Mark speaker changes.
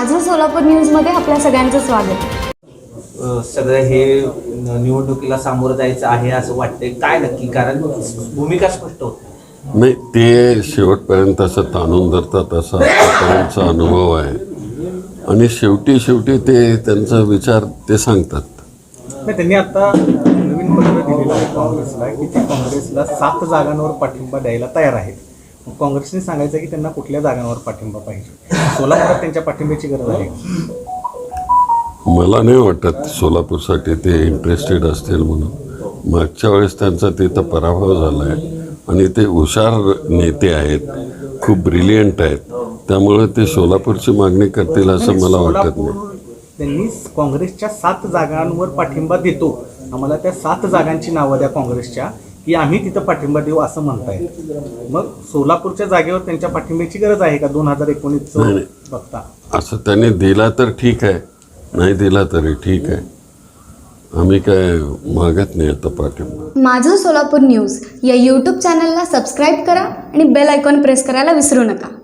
Speaker 1: माझं सोलापूर न्यूजमध्ये आपल्या सगळ्यांचं स्वागत.
Speaker 2: सगळं हे निवडणुकीला सामोरं जायचं आहे असं वाटतंय, काय नक्की? कारण भूमिका स्पष्ट होत
Speaker 3: नाही, ते शेवटपर्यंत असं ताणून धरतात असा त्यांचा अनुभव आहे आणि शेवटी ते त्यांचा विचार ते सांगतात.
Speaker 4: नाही, त्यांनी आता नवीन पत्र दिलेलं आहे काँग्रेसला की ते काँग्रेसला 7 जागांवर पाठिंबा द्यायला तयार आहेत. मग काँग्रेसने सांगायचं की त्यांना कुठल्या जागांवर पाठिंबा पाहिजे. सोलापुरात त्यांच्या पाठिंब्याची गरज आहे.
Speaker 3: मला नाही वाटत सोलापूरसाठी ते इंटरेस्टेड असतील म्हणून. मागच्या वेळेस त्यांचा तिथं पराभव झाला आहे आणि ते हुशार नेते आहेत, खूप ब्रिलियंट आहेत, त्यामुळे ते सोलापूरची मागणी करतील असं मला वाटत नाही.
Speaker 4: त्यांनी काँग्रेसच्या 7 जागांवर पाठिंबा देतो, आम्हाला त्या 7 जागांची नावं द्या काँग्रेसच्या की आम्ही तिथं पाठिंबा देऊ असं म्हणतायत. मग सोलापूरच्या जागेवर त्यांच्या पाठिंब्याची गरज आहे का 2019 बघता?
Speaker 3: असं त्यांनी दिला तर ठीक आहे, नाही दिला तरी ठीक आहे. आम्ही काय मागत नाही आता पाठिंबा.
Speaker 1: माझं सोलापूर न्यूज या यूट्यूब चॅनलला सबस्क्राईब करा आणि बेल आयकॉन प्रेस करायला विसरू नका.